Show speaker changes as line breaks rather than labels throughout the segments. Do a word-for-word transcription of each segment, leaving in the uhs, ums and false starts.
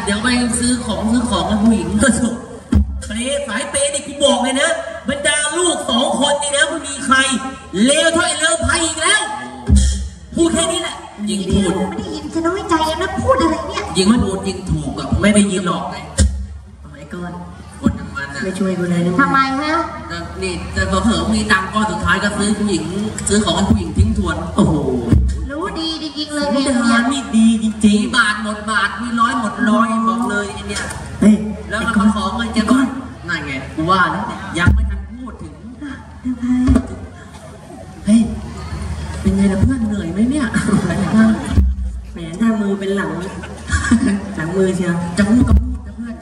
เดี๋ยวไปซื้อของซื้อของกับผู้หญิงก็ถูกเปย์สายเปย์นี่กูบอกเลยนะบรรดาลูกสองคนนี่นะไม่มีใครเลวเท่าไอ้เลวไพ่อีกแล้วพูดแค่นี้แหละยิงพูด
ไม่ได้ยินจะน้อยใจนะพูดอะไรเนี่ย
ยิงไม่พูดยิงถูกกับไม่ได้ยินหรอกไง
ทำไมก่อน
คนอย่างมันนะ
ไม่ช่วยกูเลยทำไมฮะ
นี่แต่เผลอๆมีตังก้อนสุดท้ายก็ซื้อผู้หญิงซื้อของให้ผู้หญิงทิ้งทวนโอ้โห
รู้ดีจริงๆเลย
เนี่ยนี่ดีจริงๆบาทหมดบาทมีร้อยหมดร้อยบอกเลยไอ้เนี่ยแล้วมันมาขอเงินแกก่อนนั่นไงกูว่าแล้วยังไม่ทันพูดถึงเฮ้ยเป็นไงล่ะเพื่อนเหนื่อยไหมเนี่ย
แหมหน้ามือเป็นหลังหลังมือเชียว
จะพูดกับพูดนะเพื่อน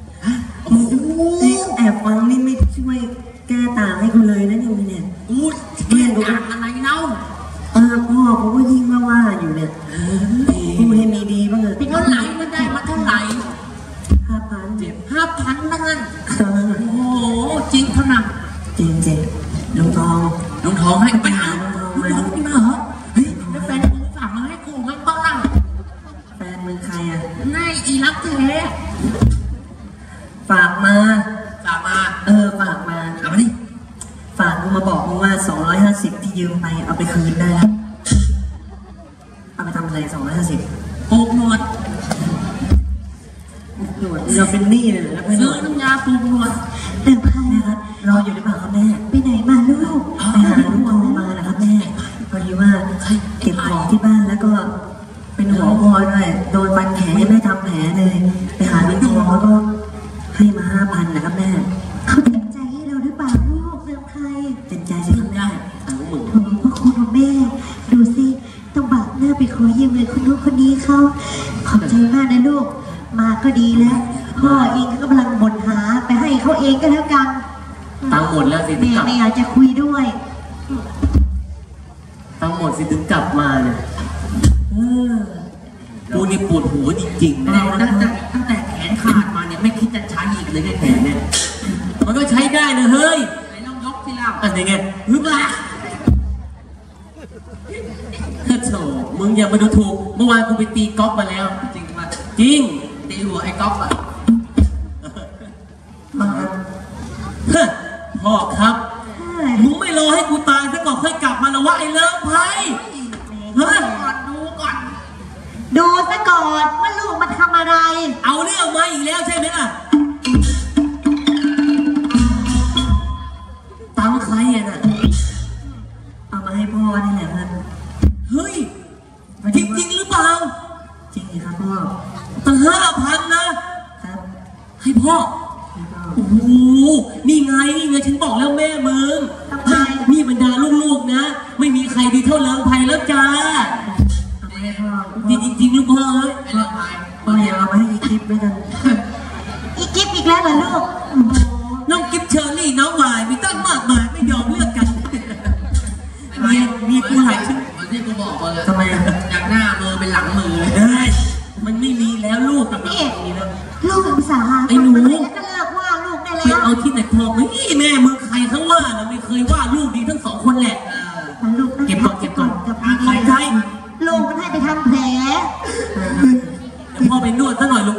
แอบฟังนี่ไม่ช่วยแก้ต่างให้คุณเลยนะนี่เนี่ย
พูดแก้ต่างอะไรเนาะ
เออพ่อผมก็ยิ่งว่าว่าอยู่เนี่ยพูดให้มีดีบ้างเลย
เป็นเท่าไหร่มันได้มาเท่าไหร่
ห้าพัน
เจ็บห้าพันนั่นโอ้โหจริงเท่านั้น
จริงจริงลุงทอง
ลุงทองให้ไปหาลุงทองมาลุงทองมาเหรอเฮ้ยแล้วแฟนมึงฝากมาให้กูมั้งบ้าง
แฟนมึงใครอ่ะ
นายอีรักแท้
ฝากมา
ฝากมา
เออฝากมา
เอามาดิ
ฝากมึงมาบอกมึงว่าสองร้อยห้าสิบที่ยืมไปเอาไปคืนได้แล้วเอาไปทำอะไรสองร้อยห้าสิบ
โกงหนวด
หนวดเราเป็นหนี้เลยแล้ว
ซื้อน้ำยาปูหนวด
เดินผ่านนะครับรออยู่หรือเปล่าครับแม่ไปไหนมาลูกไปหาลูกทองมานะครับแม่พอดีว่าเก็บของที่บ้านแล้วก็เป็นหัวคอด้วยโดนฟันแผลยังไม่ทำแผลเลยไปหาลูกทองแล้วก็ให้มาห้าพันนะครับแม่เขาเต็มใจให้เราหรือเปล่าลูกเติมใครเต็มใจจะทำได้
ต่างหมื่น
โอ้พ่อคุณของแม่ดูสิต้องบากหน้าไปขอยืมเงินคนนู้นคนนี้เขาขอบใจมากนะลูกมาก็ดีแล้วพ่อเองก็กำลังบ่นหาไปให้เขาเองก็แล้วกัน
ตังหมดแล้วสิ
แม่ไม่อยากจะคุยด้วย
ตังหมดสิถึงกลับมาเนี่ยกูนี่ปวดหัวจริงๆนะตั้งแต่ตั้งแต่แขนขาดมาเนี่ยไม่คิดจะใช้อีกเลยแขนเนี่ยมันก็ใช้ได้นะเฮ้ยไหนลองยกทีละอะไรไงฮึบละโถ่มึงอย่ามาดูถูกเมื่อวานกูไปตีก๊อฟมาแล้วจริงป่ะจริงตีหัวไอ้ก๊อฟอ่ะพ่อครับมึงไม่รอให้กูตายซะก่อนค่อยกลับมาแล้ววะไอ้เลิฟไพ่เฮ้ยดูก่อน
ดูซะก่อนว่าลูกมันทำอะไร
เอาเรื่องมาอีกแล้วใช่ไหมล่ะตังใครอ่ะน่ะ
เอามาให้พ่อนี่แหละครับ
เฮ้ยจริงจริงหรือเปล่า
จริงครับพ่อ
ตั้งห้าพันนะครับให้พ่อโอ้โหนี่ไงนี่ไงฉันบอกแล้วแม่มึงนี่บรรดาลูกๆนะไม่มีใครดีเท่าเลิงไพ่แล้วจ้าจริงจริงลูกพ่อเอ้ย
พ่ออย่าเอามาให้อีกิฟต์ด้วยกันอีกิฟต์อีกแล้วเหรอลูก
น้องกิฟต์เชอร์รี่น้องใหม่